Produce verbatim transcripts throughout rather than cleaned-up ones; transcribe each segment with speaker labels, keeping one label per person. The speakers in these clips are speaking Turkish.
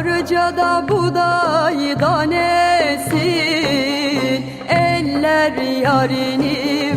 Speaker 1: Karıcada buğday danesin, eller yarini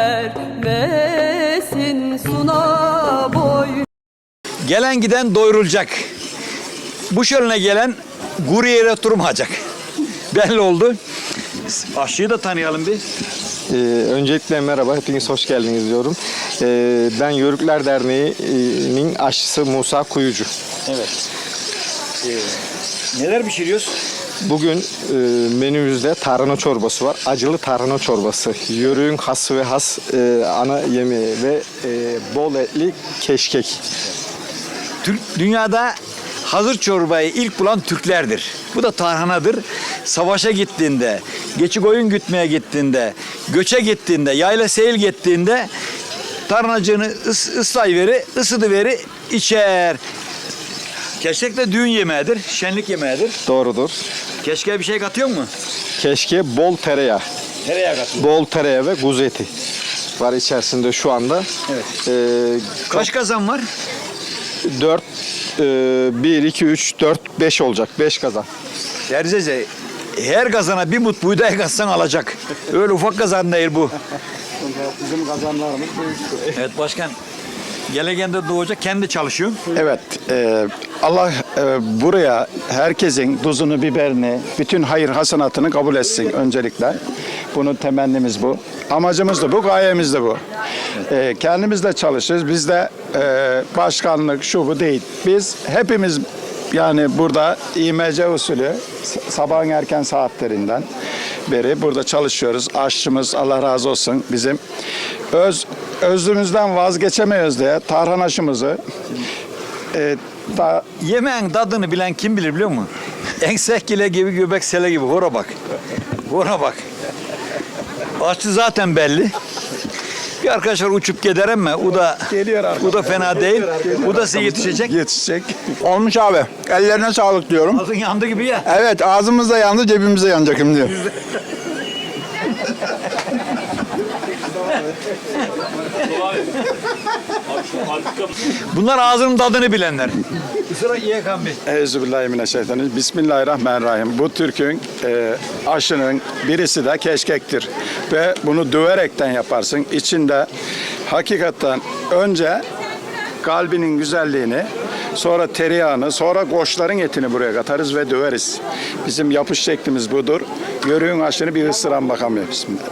Speaker 1: vermesin suna boy.
Speaker 2: Gelen giden doyurulacak. Bu şöyle gelen kuru yere oturmayacak. Belli oldu. Aşçıyı da tanıyalım bir.
Speaker 3: Ee, öncelikle merhaba, hepiniz hoş geldiniz diyorum. Ee, ben Yörükler Derneği'nin aşçısı Musa Kuyucu.
Speaker 2: Evet. Ee, neler pişiriyoruz?
Speaker 3: Bugün e, menümüzde tarhana çorbası var. Acılı tarhana çorbası. Yörüğün hası ve has e, ana yemeği ve e, bol etli keşkek.
Speaker 2: Türk, dünyada hazır çorbayı ilk bulan Türklerdir. Bu da tarhanadır. Savaşa gittiğinde, geçi koyun gütmeye gittiğinde, göçe gittiğinde, yayla seyil gittiğinde tarhanacığını ıs, ıslayıveri, ısıdıveri içer. Keşkek de düğün yemeğidir, şenlik yemeğidir.
Speaker 3: Doğrudur.
Speaker 2: Keşke bir şey katıyor mu?
Speaker 3: Keşke bol tereyağı.
Speaker 2: Tereyağı katıyor.
Speaker 3: Bol tereyağı ve kuzu eti var içerisinde şu anda.
Speaker 2: Evet.
Speaker 3: Ee,
Speaker 2: Kaç kazan var?
Speaker 3: dört, bir, iki, üç, dört, beş olacak. beş kazan.
Speaker 2: Derzece her kazana bir mut buğday katsan alacak. Öyle ufak kazan değil bu.
Speaker 3: Bizim kazanlarımız büyüktür.
Speaker 2: Evet başkan. Gelegende doğacak, kendi çalışıyor.
Speaker 4: Evet, e, Allah e, buraya herkesin tuzunu, biberini, bütün hayır hasenatını kabul etsin öncelikle. Bunun temennimiz bu. Amacımız da bu, gayemiz de bu. E, kendimiz de çalışırız. Biz de e, başkanlık şu bu değil. Biz hepimiz yani burada İ M C usulü sabahın erken saatlerinden beri burada çalışıyoruz. Aşçımız Allah razı olsun bizim öz özlüğümüzden vazgeçemiyoruz diye tarhanaşımızı e, da,
Speaker 2: Yemeğin tadını bilen kim bilir biliyor musun? Ensekile gibi, göbek sele gibi. Hora bak. Hora bak. Aşçı zaten belli. Bir arkadaşlar uçup gider ama o da
Speaker 4: Geliyor arkadaşlar.
Speaker 2: o da fena değil. O da size yetişecek.
Speaker 4: yetişecek. Olmuş abi. Ellerine sağlık diyorum.
Speaker 2: Ağzın yandı gibi ya.
Speaker 4: Evet, ağzımız da yandı, cebimiz de yanacak şimdi.
Speaker 2: Bunlar ağzının tadını bilenler. Sıra İYKM Bey.
Speaker 4: Euzubillahimineşşeytanirracim. Bismillahirrahmanirrahim. Bu Türk'ün e, aşının birisi de keşkektir. Ve bunu döverekten yaparsın. İçinde hakikaten önce kalbinin güzelliğini, sonra tereyağını, sonra koçların etini buraya katarız ve döveriz. Bizim yapış şeklimiz budur. Yörüğün aşını bir ısıran bakamıyor. Bismillah.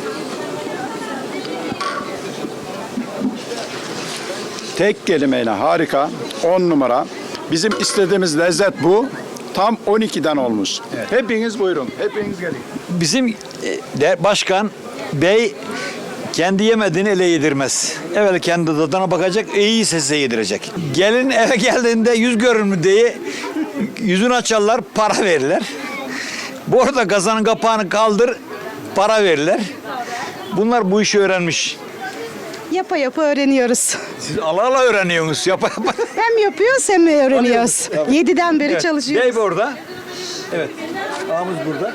Speaker 4: Tek kelimeyle harika, on numara. Bizim istediğimiz lezzet bu. Tam on ikiden olmuş. Evet. Hepiniz buyurun, hepiniz gelin.
Speaker 2: Bizim e, de- başkan bey kendi yemediğini ele yedirmez. Evvel kendi tadına bakacak, iyi size yedirecek. Gelin eve geldiğinde yüz görür mü diye yüzünü açarlar, para verirler. Bu arada kazanın kapağını kaldır, para verirler. Bunlar bu işi öğrenmiş.
Speaker 5: Yapa yapa öğreniyoruz.
Speaker 2: Siz ala ala öğreniyorsunuz. Yapa yapa.
Speaker 5: Hem yapıyoruz hem öğreniyoruz. Yediden beri
Speaker 2: Evet,
Speaker 5: çalışıyoruz.
Speaker 2: bey orada. Evet. Ağamız burada.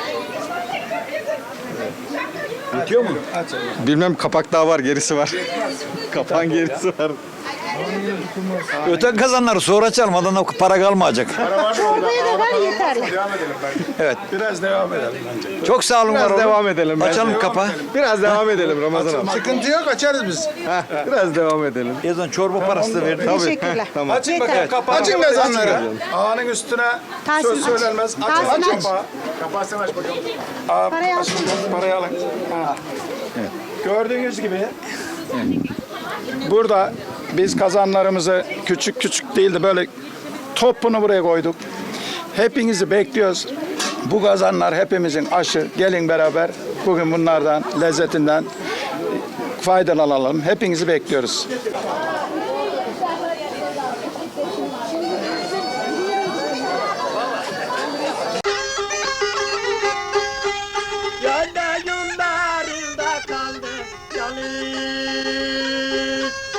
Speaker 2: Bitiyor mu?
Speaker 3: Bilmem kapak daha var, gerisi var. Kapağın gerisi var.
Speaker 2: Öten kazanları sonra açalım. Adana para kalmayacak.
Speaker 5: Çorbaya da ver yeterli.
Speaker 2: Evet.
Speaker 4: Biraz devam edelim bence.
Speaker 2: Çok sağ olun. var
Speaker 3: Biraz
Speaker 2: olun.
Speaker 3: devam edelim. bence.
Speaker 2: Açalım kapağı.
Speaker 3: Biraz devam edelim Ramazan abi.
Speaker 4: Sıkıntı yok, açarız biz.
Speaker 3: Heh, biraz devam edelim.
Speaker 2: Yazan çorba parası da verdim.
Speaker 5: Teşekkürler.
Speaker 3: Tamam.
Speaker 4: Açın
Speaker 5: bakayım
Speaker 4: kapağı. Açın kazanları. Ağanın üstüne
Speaker 5: Tahsin
Speaker 4: söz
Speaker 5: aç.
Speaker 4: söylenmez. Açın,
Speaker 5: Tahsin
Speaker 4: açın
Speaker 5: aç.
Speaker 4: kapağı. Kapağı sen aç bakalım. Aa,
Speaker 5: Parayı al.
Speaker 4: açın, parayı alın. Ha. Gördüğünüz gibi burada biz kazanlarımızı küçük küçük değil de böyle topunu buraya koyduk. Hepinizi bekliyoruz. Bu kazanlar hepimizin aşı. Gelin beraber bugün bunlardan, lezzetinden faydalanalım. Hepinizi bekliyoruz.